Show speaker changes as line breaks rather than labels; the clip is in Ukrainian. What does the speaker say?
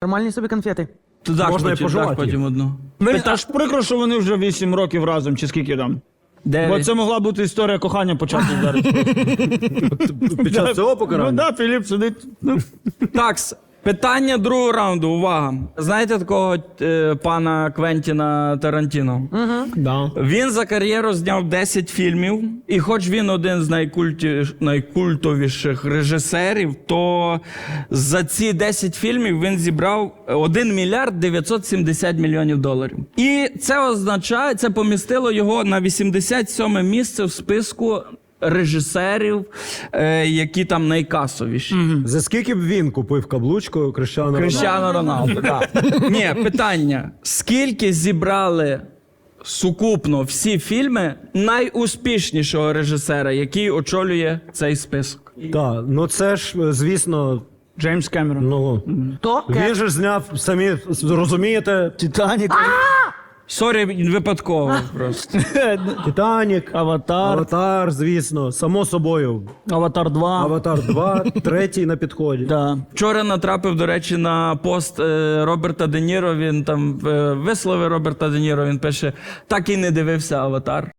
Нормальні собі конфети.
Ти даш
Можна і
потім,
пожувати
даш потім одну.
Та ж прикро, що вони вже 8 років разом, чи скільки там. Бо
9.
це могла бути історія кохання почати зараз.
Під час цього
Ну
покарання?
так, Філіп сидить.
Такс. Питання другого раунду. Увага. Знаєте такого пана Квентіна Тарантіно?
Да.
Він за кар'єру зняв 10 фільмів, і хоч він один з найкультовіших режисерів, то за ці 10 фільмів він зібрав 1 мільярд 970 мільйонів доларів. І це означає, це помістило його на 87 місце в списку режисерів, які там найкасовіші.
За скільки б він купив каблучку Кріштіану Роналду?
Кріштіану Роналду, так. Ні, питання. Скільки зібрали сукупно всі фільми найуспішнішого режисера, який очолює цей список?
Так, ну це ж, звісно,
Джеймс Кемерон.
ну...
То?
Він же ж зняв, самі розумієте,
Титанік.
Сорі, випадково просто.
Титанік,
Аватар.
Аватар, звісно, само собою.
Аватар 2.
Аватар 2, третій на підході.
Да.
Вчора натрапив, до речі, на пост Роберта Де Ніро. Він там висловив Роберта Де Ніро. Він пише: так і не дивився Аватар.